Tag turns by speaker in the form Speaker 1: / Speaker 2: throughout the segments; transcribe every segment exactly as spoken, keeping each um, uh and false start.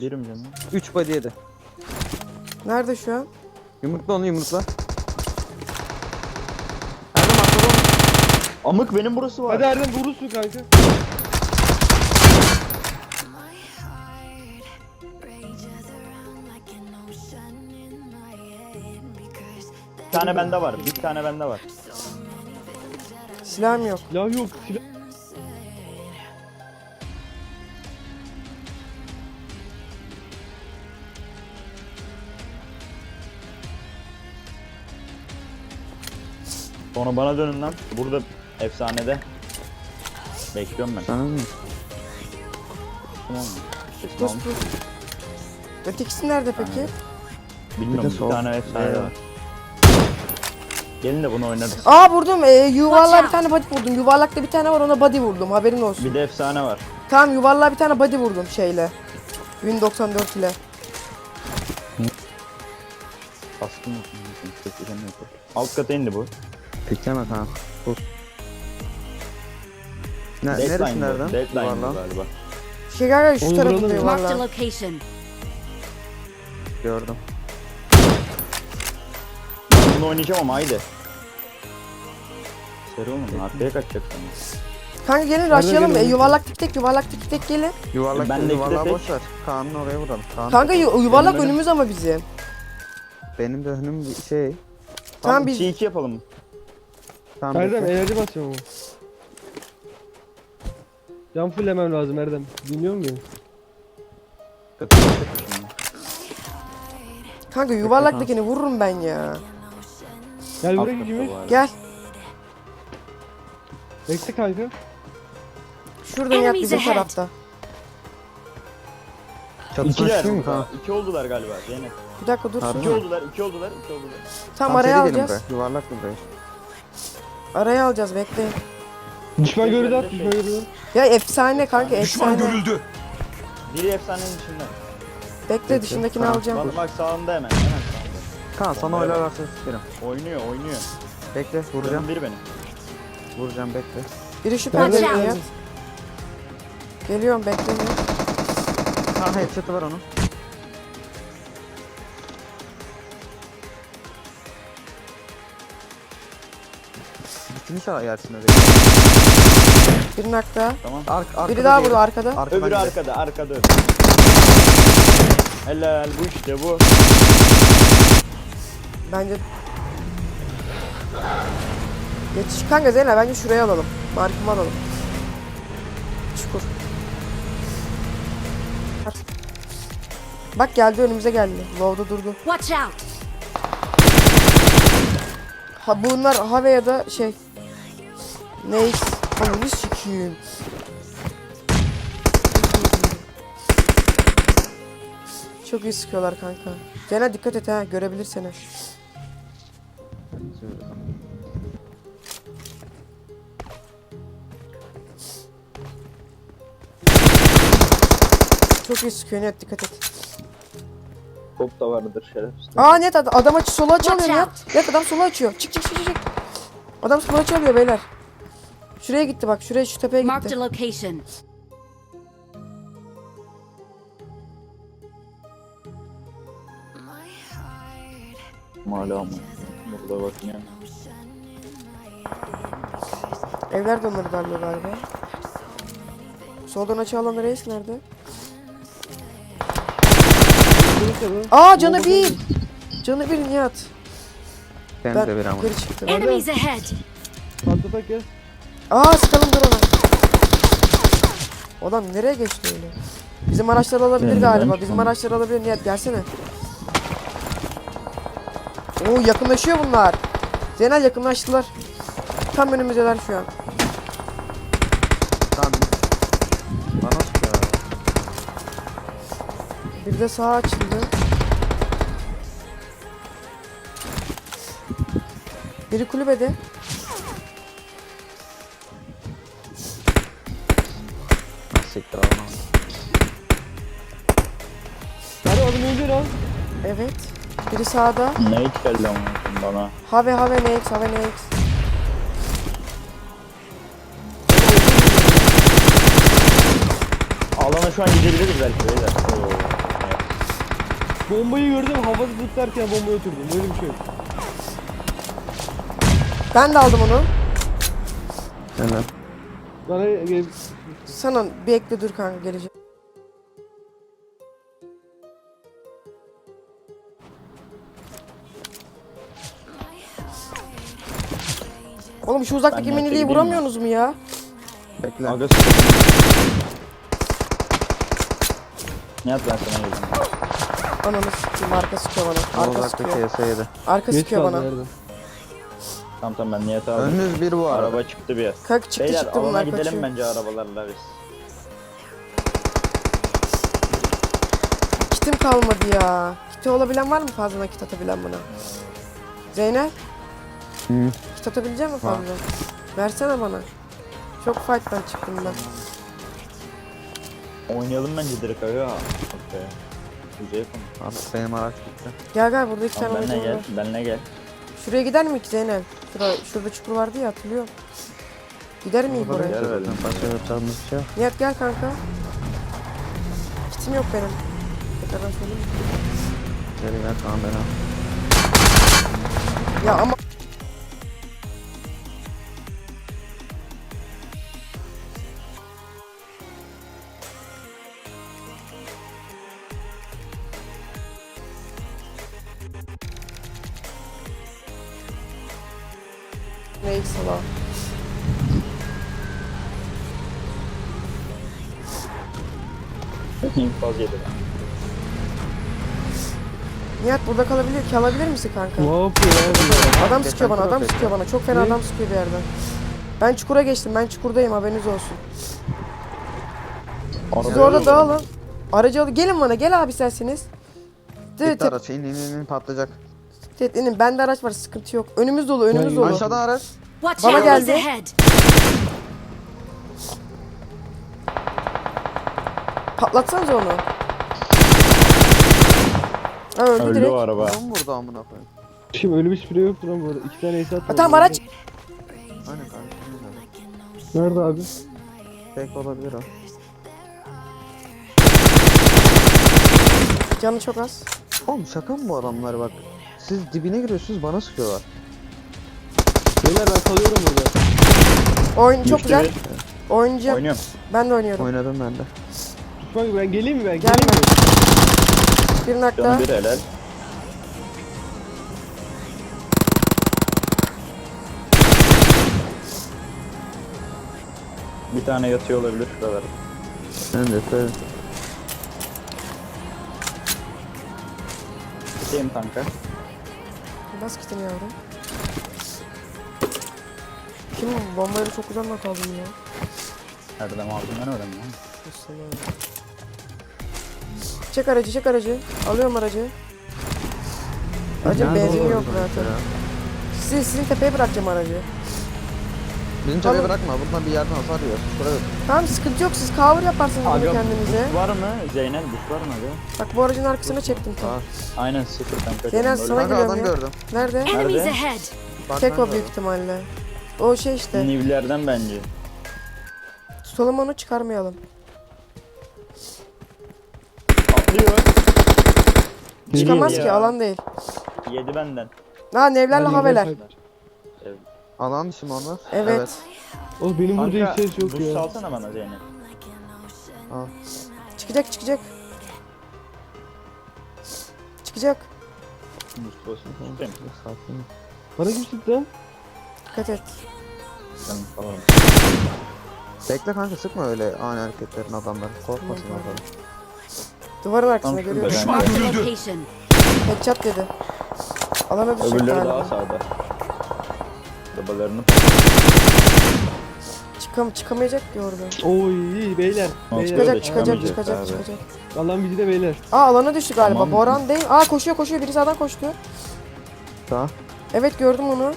Speaker 1: Yerim canım.
Speaker 2: üç body yedi.
Speaker 3: Nerede şu an?
Speaker 2: Yumrukla onu yumrukla. Erdem atladı onu.
Speaker 1: Amık benim burası var.
Speaker 4: Hadi Erdem vurursun kanka.
Speaker 1: Bir tane bende var. Bir tane bende var.
Speaker 3: Silahım yok.
Speaker 4: Silah yok. Silah.
Speaker 1: Sonra bana dönün lan. Burada efsanede. Bekliyorum ben.
Speaker 2: Sana mı?
Speaker 1: Tamam mı? Kesin
Speaker 3: Pus
Speaker 1: almış.
Speaker 3: pus. Ötekisi nerede peki?
Speaker 1: Bilmiyorum,
Speaker 2: Bir de
Speaker 1: bir
Speaker 2: sol.
Speaker 1: tane efsane
Speaker 2: Evet.
Speaker 1: var. Gelin de bunu oynarız.
Speaker 3: Aa vurdum. Ee, yuvarlığa bir tane body vurdum. Yuvarlakta bir tane var, ona body vurdum. Haberin olsun.
Speaker 1: Bir de efsane var.
Speaker 3: Tamam, yuvarlığa bir tane body vurdum şeyle. Win doksan dört ile.
Speaker 1: Baskın yok. Alt kata indi bu.
Speaker 2: Pikleme tamam. Dur. Ne,
Speaker 1: Deadline
Speaker 2: neresi
Speaker 1: bu.
Speaker 2: nereden?
Speaker 1: Deadline bu
Speaker 2: Yuvarlan.
Speaker 1: galiba.
Speaker 3: Şey galiba şu
Speaker 4: Onu
Speaker 3: tarafında
Speaker 4: vuralım.
Speaker 5: Marked a
Speaker 3: yuvarlığa.
Speaker 5: location.
Speaker 2: Gördüm.
Speaker 1: Ben bunu oynayacağım ama haydi. Seri olmadı. Arkaya kaçacaksın.
Speaker 3: Kanka gelin
Speaker 4: Nerede
Speaker 3: rushlayalım.
Speaker 4: gelin?
Speaker 3: E, yuvarlak tek tek yuvarlak tek tek gelin.
Speaker 2: Yuvarlak
Speaker 1: Ben
Speaker 2: değil,
Speaker 1: de
Speaker 2: yuvarlağı
Speaker 1: tek-
Speaker 2: boş ver. Kaan'ın oraya vuralım. Kaan,
Speaker 3: Kanka yu- yuvarlak
Speaker 1: Benim
Speaker 3: önümüz ama bizim.
Speaker 2: benim de önüm bir şey.
Speaker 3: Tamam biz
Speaker 1: iki iki yapalım.
Speaker 2: Tamam,
Speaker 4: Erdem
Speaker 2: bekle.
Speaker 4: enerji basıyorum ama. Can fullemem lazım Erdem. Dinliyor musun beni?
Speaker 3: kanka yuvarlaktakini vururum ben ya.
Speaker 4: Gel
Speaker 1: Alt
Speaker 4: buraya
Speaker 1: katta
Speaker 4: gibi.
Speaker 1: bu arada.
Speaker 3: Gel.
Speaker 4: Bekle kanka.
Speaker 3: Şuradan yat
Speaker 5: Enemies
Speaker 3: bizim
Speaker 5: ahead.
Speaker 3: tarafta.
Speaker 2: Çatışma
Speaker 1: İkiler.
Speaker 2: çıkıyor mu Kaan?
Speaker 1: İki oldular galiba. Zeynep.
Speaker 3: Bir dakika dur.
Speaker 2: Harbi
Speaker 1: İki
Speaker 2: mi?
Speaker 1: oldular. iki oldular. iki oldular.
Speaker 3: Tam
Speaker 2: Tam
Speaker 3: araya
Speaker 2: seri gelin
Speaker 3: alacağız.
Speaker 2: buraya. Yuvarlak mı buraya?
Speaker 3: Araya alacağız, bekleyin.
Speaker 4: Düşman
Speaker 1: Bekle,
Speaker 4: görüldü at.
Speaker 1: bekle.
Speaker 4: Düşman görüldü.
Speaker 3: Ya efsane kanka,
Speaker 6: Düşman
Speaker 3: efsane.
Speaker 6: görüldü.
Speaker 1: Biri efsanenin dışında.
Speaker 3: Bekle, dışındakini
Speaker 2: Tamam.
Speaker 3: alacağım.
Speaker 1: Bak bak sağında hemen. Hemen sağında.
Speaker 2: Kaan sana
Speaker 1: Buraya bak.
Speaker 2: oylarlarsa sikerim.
Speaker 1: Oynuyor oynuyor.
Speaker 2: Bekle vuracağım.
Speaker 1: Canım biri benim.
Speaker 2: Vuracağım bekle.
Speaker 3: Biri şu
Speaker 4: Nerede?
Speaker 3: pencereye
Speaker 4: Nerede?
Speaker 3: yat. Geliyorum, bekleyin.
Speaker 2: Kaan headshot'ı var onun. Bitmiş ha yersin öyle.
Speaker 3: Birinin hakta.
Speaker 1: Tamam.
Speaker 2: Ark, arkada
Speaker 3: Biri daha
Speaker 2: değil.
Speaker 3: burada arkada.
Speaker 2: Arkadan
Speaker 1: Öbürü
Speaker 2: gidiyor.
Speaker 1: arkada. Arkada öbürü. Helal bu işte bu.
Speaker 3: Bence... Yetiş kanka Zeynep, bence şuraya alalım. Markımı alalım. Çukur. Bak geldi, önümüze geldi. Low'da durdu.
Speaker 5: Watch out!
Speaker 3: Ha bunlar Have ya da şey. Neyse. Ananı sikiyim. Çok iyi sıkıyorlar kanka. Zeynep dikkat et ha, görebilir seni. Çok iyi sıkıyor, net dikkat et.
Speaker 1: Top da vardır şerefsiz.
Speaker 3: Aa net ad adam açı sola açı alıyor
Speaker 5: Watch
Speaker 3: net. Net adam sola açıyor. Çık çık çık çık. Adam sola açı alıyor beyler. Şuraya gitti bak, şuraya, şu tepeye
Speaker 5: Marked
Speaker 3: gitti.
Speaker 5: a location.
Speaker 1: Hala mı? Burada bakın ya.
Speaker 3: Evler de onları darlıyor galiba. Soldan açı alan reis nerede?
Speaker 4: Neyse bu.
Speaker 3: Aa canı bir. Canı bir Nihat.
Speaker 2: Ben,
Speaker 3: Ben
Speaker 2: de bir ama.
Speaker 3: geri çıktım.
Speaker 5: Enemies ahead.
Speaker 4: Patlatak ya.
Speaker 3: Aa sıkalım dur ona. Adam nereye geçti öyle? Bizim araçları alabilir
Speaker 1: Ben-
Speaker 3: galiba.
Speaker 1: ben
Speaker 3: Bizim
Speaker 1: çıkamam.
Speaker 3: araçları alabilir. Nihat gelsene. Oo yakınlaşıyor bunlar. Zeynel yakınlaştılar. Tam önümüzdeler şu an.
Speaker 2: Kaan. Bana sıkıyor.
Speaker 3: Bir de sağa açıldı. Biri kulübede.
Speaker 2: Nasıl siktir alma.
Speaker 4: Hadi adım öldür al.
Speaker 3: Evet. Biri sağda.
Speaker 1: Ne hiç geldi ama bana.
Speaker 3: Have have next have next.
Speaker 1: Alana şu an gidebiliriz belki beyler. Oo.
Speaker 4: Bombayı gördüm havada zıplarken bombaya oturdum. Böyle bir şey yok.
Speaker 3: Ben de aldım onu.
Speaker 2: Helal.
Speaker 4: Bana gel.
Speaker 3: Sana bir ekle dur kanka geleceğim. Oğlum şu uzaktaki
Speaker 1: Ben
Speaker 3: miniliği
Speaker 1: gideyim
Speaker 3: vuramıyorsunuz mu ya?
Speaker 2: Bekle.
Speaker 1: Aga Nihat ben sana geldim.
Speaker 3: Ananı sikeyim, arka sıkıyor bana. Arka
Speaker 2: Uzaktaki
Speaker 3: sıkıyor.
Speaker 2: S yedi.
Speaker 3: Arka
Speaker 4: Geç
Speaker 3: sıkıyor
Speaker 4: kaldı
Speaker 3: bana.
Speaker 4: nerede?
Speaker 1: Tamam tamam ben Nihat'ı aldım.
Speaker 2: Önünüz bir bu arada.
Speaker 1: Araba çıktı bir.
Speaker 3: Kalk çıktı
Speaker 1: Beyler
Speaker 3: çıktı
Speaker 1: alana
Speaker 3: bunlar
Speaker 1: gidelim
Speaker 3: kaçıyor.
Speaker 1: bence arabalarla biz.
Speaker 3: Kitim kalmadı ya. Kiti olabilen var mı fazla nakit atabilen bana? Zeynep,
Speaker 2: Hı.
Speaker 3: kit atabilecek misin
Speaker 2: Var.
Speaker 3: fazla? Versene bana. Çok fight'tan çıktım ben.
Speaker 1: Oynayalım bence direkt aga. Okey. Güzel konu.
Speaker 2: Abi benim araç gitti.
Speaker 3: Gel gel burada iki
Speaker 1: Tamam
Speaker 3: tane
Speaker 1: benle
Speaker 3: oyuncum
Speaker 1: gel.
Speaker 3: var.
Speaker 1: Benle gel.
Speaker 3: Şuraya gider mi ki Zeynep? Şurada, şurada çukur vardı ya hatırlıyorum. Gider miyim
Speaker 2: Burada
Speaker 3: oraya?
Speaker 2: bekle
Speaker 1: Gel
Speaker 2: zaten.
Speaker 1: verelim.
Speaker 2: Başka yapacağımız bir şey yok.
Speaker 3: Nihat gel kanka. Kitim yok benim. Tekrardan söyleyeyim.
Speaker 2: Geri gel tamam ben al.
Speaker 3: Ya ama... Neyse sala.
Speaker 1: İnfaz yedi ben.
Speaker 3: Nihat burada kalabilir, kalabilir misin kanka?
Speaker 4: Ne yapıyor abi?
Speaker 3: Adam
Speaker 2: Geçen
Speaker 3: sıkıyor bana,
Speaker 2: tur
Speaker 3: adam
Speaker 2: affetti.
Speaker 3: sıkıyor bana. Çok fena
Speaker 4: Ne?
Speaker 3: adam sıkıyor bir yerden. Ben çukura geçtim, ben çukurdayım haberiniz olsun. Siz
Speaker 1: Arabaya
Speaker 3: orada
Speaker 1: alalım.
Speaker 3: dağılın. Aracı alın, gelin bana, gel abi isterseniz.
Speaker 2: Gitti
Speaker 3: Tık
Speaker 2: araç. İn in in in patlayacak.
Speaker 3: tık inin, bende araç var, sıkıntı yok. Önümüz dolu, önümüz dolu.
Speaker 2: Aşağıda araç.
Speaker 5: Watch
Speaker 3: Bana
Speaker 5: out,
Speaker 3: geldi.
Speaker 5: enemies ahead.
Speaker 3: Patlatsanıza onu. Ha öldü,
Speaker 1: Öldü
Speaker 3: direkt.
Speaker 1: o araba.
Speaker 2: Adam vurdu amına koyayım.
Speaker 4: Şimdi öyle bir sprey yoktur lan bu arada. İki tane ace
Speaker 3: Ha,
Speaker 4: atmadı.
Speaker 3: tamam araç.
Speaker 2: Aynen kardeşim.
Speaker 4: Nerede abi?
Speaker 2: Fake olabilir o.
Speaker 3: Canı çok az.
Speaker 2: Oğlum şaka mı bu adamlar bak. Siz dibine giriyorsunuz bana sıkıyorlar.
Speaker 4: Beyler ben kalıyorum burada.
Speaker 3: Oyun çok
Speaker 1: Düştü
Speaker 3: güzel.
Speaker 1: bir.
Speaker 3: Oynayacağım.
Speaker 1: Oynuyorum.
Speaker 3: Ben de oynuyorum.
Speaker 2: Oynadım ben de.
Speaker 4: Bak ben geleyim mi ben?
Speaker 3: Gelme.
Speaker 4: Geleyim mi?
Speaker 3: Bir nakta.
Speaker 1: Canı bir helal. Bir tane yatıyor olabilir şuralarda.
Speaker 2: Ben de söyle.
Speaker 1: Gideyim kanka.
Speaker 3: Bas kitini yavrum. Kim bu? Bombayla çok uzakta kaldım ya.
Speaker 1: Nereden aldım ben öğrendim. ya.
Speaker 3: Çek aracı, çek aracı. Alıyorum aracı. Aracın
Speaker 2: Nerede
Speaker 3: benzini
Speaker 2: olur
Speaker 3: yok
Speaker 2: bu
Speaker 3: zaten.
Speaker 2: ya?
Speaker 3: Sizin, sizin tepeye bırakacağım aracı.
Speaker 2: Bizim
Speaker 3: Tamam.
Speaker 2: tepeye bırakma. Buradan bir yerden hasar yiyor. Şuraya yok.
Speaker 3: Tamam sıkıntı yok, siz cover yaparsınız bunu
Speaker 1: Aga
Speaker 3: kendinize.
Speaker 1: bus var mı? Zeynep bus var mı aga?
Speaker 3: Bak bu aracın arkasına çektim tam.
Speaker 2: Var.
Speaker 1: Aynen sıfır kanka.
Speaker 3: Zeynep,
Speaker 1: Canım
Speaker 3: sana
Speaker 1: böyle.
Speaker 2: Kanka
Speaker 3: geliyorum
Speaker 2: adam
Speaker 3: ya.
Speaker 2: gördüm.
Speaker 3: Nerede?
Speaker 5: Enemies
Speaker 1: Nerede?
Speaker 5: ahead.
Speaker 2: Bak
Speaker 3: Tek
Speaker 2: ben
Speaker 3: o
Speaker 2: gördüm.
Speaker 3: büyük ihtimalle. O şey işte.
Speaker 1: Nivlerden bence.
Speaker 3: Tutalım onu, çıkarmayalım.
Speaker 1: Atlıyor.
Speaker 3: Çıkamaz
Speaker 1: Yedi
Speaker 3: ki,
Speaker 1: ya.
Speaker 3: alan değil.
Speaker 1: Yedi benden.
Speaker 3: Ha nevlerle
Speaker 4: Hadi
Speaker 3: haveler.
Speaker 4: gel.
Speaker 2: Alan dışı mı onlar?
Speaker 3: Evet.
Speaker 4: Oğlum benim burada hiç ses yok
Speaker 1: bus
Speaker 4: ya.
Speaker 1: salsana bana Zeynep.
Speaker 2: Al.
Speaker 3: Çıkacak çıkacak. Çıkacak.
Speaker 1: Bus basın. Tutayım.
Speaker 2: Sakin. ol.
Speaker 4: Bana kim sıktı lan?
Speaker 3: Dikkat et.
Speaker 1: Canım falan.
Speaker 2: Bekle kanka sıkma öyle ani hareketlerin adamları. Korkmasın
Speaker 3: Tamam,
Speaker 2: adam.
Speaker 3: Duvarın arkasında
Speaker 1: Tam şurada
Speaker 3: görüyorum.
Speaker 1: ben-
Speaker 5: Mark the location.
Speaker 3: Headshot dedi. Alana düşecek
Speaker 1: Öbürleri daha
Speaker 3: galiba.
Speaker 1: sağda. Arabalarını
Speaker 3: Çıkam çıkamayacak ki orada.
Speaker 4: Oy iyi beyler.
Speaker 1: Nasıl
Speaker 4: beyler.
Speaker 1: böyle
Speaker 3: Çıkacak çıkacak
Speaker 1: çıkamayacak
Speaker 3: çıkacak
Speaker 1: abi.
Speaker 3: çıkacak.
Speaker 4: Alan bizi de beyler.
Speaker 3: Aa alana düştü galiba.
Speaker 1: Tamam.
Speaker 3: Boran değil. Aa koşuyor koşuyor. Biri sağdan koştu.
Speaker 2: Sağ.
Speaker 3: Evet gördüm onu.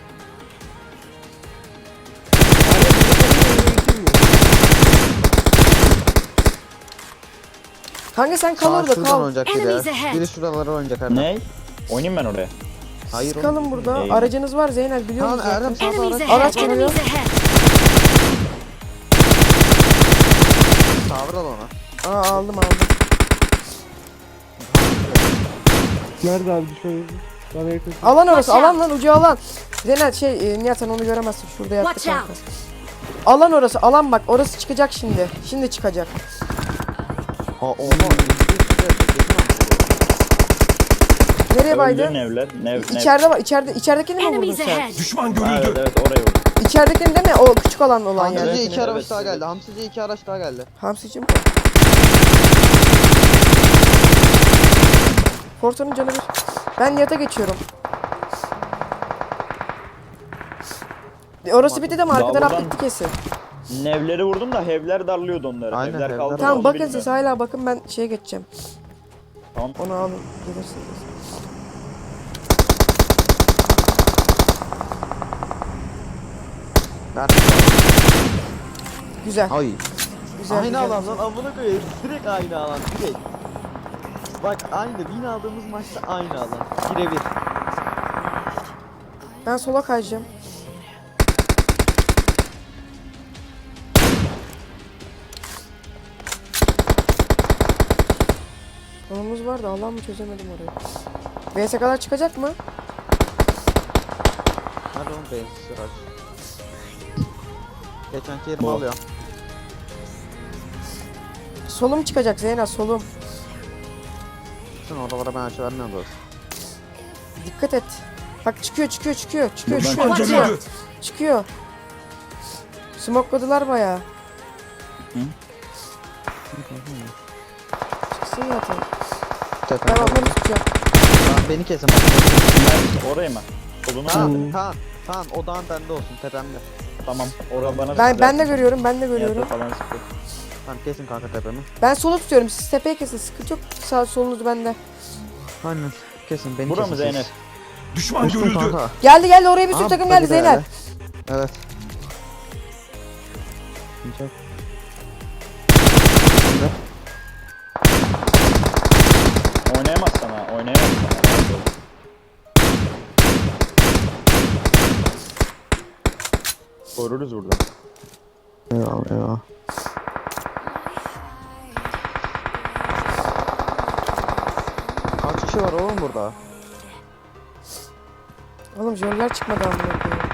Speaker 3: Kanka sen kal
Speaker 2: Sağ
Speaker 3: orada
Speaker 2: şuradan
Speaker 3: kal.
Speaker 2: oynayacak biri
Speaker 5: Enemies
Speaker 2: ya.
Speaker 5: ahead.
Speaker 2: Biri şuralara oynayacak Erdem.
Speaker 1: Ne? Oynayayım ben oraya.
Speaker 2: Hayır oğlum.
Speaker 3: Kalın burada.
Speaker 1: Eyvah.
Speaker 3: Aracınız var Zeynel biliyor
Speaker 2: Tamam
Speaker 3: musun? zaten?
Speaker 2: Erdem sağda
Speaker 5: Enemies
Speaker 2: araç.
Speaker 5: ahead.
Speaker 3: Araç geliyor.
Speaker 5: Enemies ahead.
Speaker 2: Tavır al ona.
Speaker 3: Aa aldım aldım.
Speaker 4: Nerede abi düşman yeri? Bana yakın.
Speaker 3: Alan orası,
Speaker 5: Watch
Speaker 3: alan lan ucu alan. Zeynel şey e, Nihat sen onu göremezsin. Şurada yattı
Speaker 5: Watch
Speaker 3: kanka.
Speaker 5: out.
Speaker 3: Alan orası, alan bak. Orası çıkacak şimdi. Şimdi çıkacak.
Speaker 2: Aa oha.
Speaker 3: Nereye baydı?
Speaker 1: Öldü nevler. Nev, nev.
Speaker 3: İçeride var. İçeride içeridekini mi vurdun
Speaker 5: Enemies
Speaker 3: sen?
Speaker 5: ahead.
Speaker 6: Düşman
Speaker 1: Ha, evet
Speaker 6: görüldü.
Speaker 1: evet oraya vurdu.
Speaker 3: İçeridekini değil mi? O küçük olan olan
Speaker 2: Hamsici
Speaker 3: yani.
Speaker 2: iki araç
Speaker 1: Evet,
Speaker 2: daha
Speaker 1: evet.
Speaker 2: geldi. Hamsici iki araç daha geldi.
Speaker 3: Hamsicim. Forton'un canı bir. Ben Nihat'a geçiyorum. E, Orası bitti de mi? Arka
Speaker 1: Daha
Speaker 3: taraf
Speaker 1: buradan-
Speaker 3: bitti kesin.
Speaker 1: Nevleri vurdum da hevler darlıyordu onları.
Speaker 2: Aynen,
Speaker 1: Hevler
Speaker 2: hevler
Speaker 1: kaldı.
Speaker 3: Tamam
Speaker 1: onu
Speaker 3: bakın
Speaker 1: bilmiyorum.
Speaker 3: siz hala bakın ben şeye geçeceğim.
Speaker 1: Tamam.
Speaker 3: Onu alın gelirsiniz.
Speaker 2: Nerede?
Speaker 3: Güzel.
Speaker 2: Ay.
Speaker 3: Güzel.
Speaker 2: Aynı
Speaker 3: güzel.
Speaker 2: alan lan amına koyayım. Direkt aynı alan. Direkt. Bak aynı. Win aldığımız maçta aynı alan. Birebir.
Speaker 3: Ben sola kayacağım. Konumuz var da Allah'ım mı çözemedim orayı. V S kadar çıkacak mı?
Speaker 2: Hadi oğlum bensiz araç. Geçenki yerimi
Speaker 1: Bu.
Speaker 2: alıyor.
Speaker 3: Solum çıkacak Zeyna solum.
Speaker 2: Sen oralara ben açı vermiyorum dostum.
Speaker 3: Dikkat et. Bak çıkıyor çıkıyor çıkıyor çıkıyor
Speaker 1: Buradan
Speaker 3: çıkıyor
Speaker 5: çıkıyor.
Speaker 3: çıkıyor. Çıkıyor. Smokladılar bayağı.
Speaker 1: Hı?
Speaker 3: Çıksın zaten.
Speaker 2: Tepe.
Speaker 3: Ben onları tutacağım.
Speaker 2: Lan beni kesin.
Speaker 1: Nerede? Oraya mı? Soluna
Speaker 2: Kaan,
Speaker 1: mı?
Speaker 2: Kaan, Kaan odağın bende olsun tepemde.
Speaker 1: Tamam. Oraya bana
Speaker 3: Ben
Speaker 1: sıktı.
Speaker 3: ben de görüyorum ben de
Speaker 1: Nihat'a
Speaker 3: görüyorum.
Speaker 1: falan sıktı.
Speaker 2: Tamam kesin kanka tepemi.
Speaker 3: Ben solu tutuyorum. Siz tepeye kesin. Sıkıntı yok. Sağ solunuz bende.
Speaker 2: Aynen. Kesin beni
Speaker 1: Bura
Speaker 2: kesin.
Speaker 1: mı Zeynep?
Speaker 6: Düşman
Speaker 2: Düştüm
Speaker 6: görüldü.
Speaker 2: kanka.
Speaker 3: Geldi geldi oraya bir sürü
Speaker 2: Aa,
Speaker 3: takım
Speaker 2: bagi
Speaker 3: geldi
Speaker 2: de
Speaker 3: Zeynep.
Speaker 2: geldi. Evet. Çok.
Speaker 1: Oynayamazsan ha. Oynayamazsan ha. Rahat ol. Koruruz burada.
Speaker 2: Eyvallah eyvallah. Kaç kişi var oğlum burada?
Speaker 3: Oğlum jöller çıkmadı amına koyayım.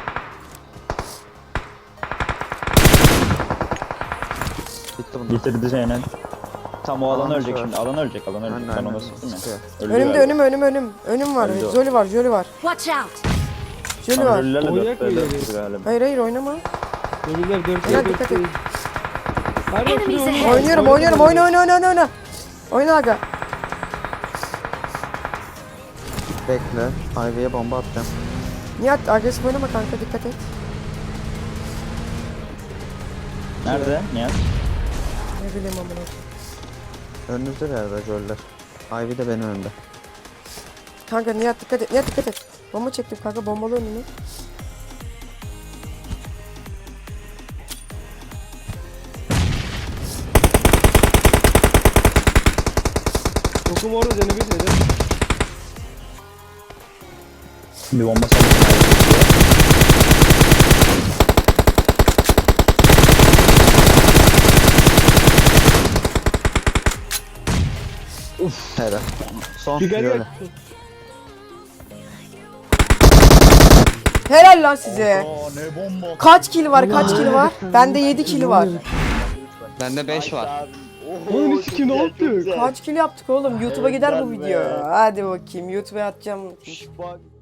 Speaker 2: Bitti bunlar.
Speaker 1: Bitirdi Zeynep. Tam o alan
Speaker 2: Alan
Speaker 1: ölecek
Speaker 2: var.
Speaker 1: şimdi. Alan ölecek. Alan ölecek.
Speaker 2: Aynen,
Speaker 1: Ben ona
Speaker 2: aynen.
Speaker 1: sıktım ya.
Speaker 2: Sıkıyor.
Speaker 1: Öldü
Speaker 3: Önümde
Speaker 1: galiba.
Speaker 3: önüm önüm önüm. Önüm var.
Speaker 1: Öldü o.
Speaker 3: Jolly var jolly var.
Speaker 5: Watch out.
Speaker 3: Jolly
Speaker 1: Tam
Speaker 3: var.
Speaker 1: ölülerle
Speaker 4: Oynayak
Speaker 1: dörtte
Speaker 4: mı
Speaker 1: dört
Speaker 4: ileri?
Speaker 1: galiba.
Speaker 3: Hayır hayır oynama.
Speaker 4: Ölüler dört
Speaker 3: Helal,
Speaker 4: dört
Speaker 3: dikkat et.
Speaker 4: değil. Hadi bak,
Speaker 5: Enemies
Speaker 4: şuraya
Speaker 5: ahead.
Speaker 4: oyna.
Speaker 3: Oynuyorum
Speaker 4: Oyna,
Speaker 3: oynuyorum oyna oyna oyna oyna oyna. Oyna aga.
Speaker 2: Bekle. Highway'e bomba atacağım.
Speaker 3: Nihat agresif oynama kanka dikkat et.
Speaker 1: Nerede? Nihat?
Speaker 3: Ne bileyim amına koyayım.
Speaker 2: Önünüzde bir yerde joller. Ivy de benim önümde.
Speaker 3: Kanka Nihat dikkat et. Nihat dikkat et. Bomba çektim kanka bombalı önünü.
Speaker 4: Dokum orada canı bir dedi.
Speaker 1: Bir bomba sallayayım.
Speaker 2: Uf. Helal. Son
Speaker 4: Bir gel
Speaker 2: böyle.
Speaker 4: gel.
Speaker 3: Helal lan size.
Speaker 1: Aa ne bomba.
Speaker 3: Kaç kill var kaç kill var? Bende yedi kill var.
Speaker 2: Bende beş var.
Speaker 4: Oğlum hiç kim ne yaptı?
Speaker 3: Kaç kill yaptık oğlum? YouTube'a gider bu
Speaker 1: Helal be.
Speaker 3: video. Hadi bakayım YouTube'a atacağım.
Speaker 1: Bak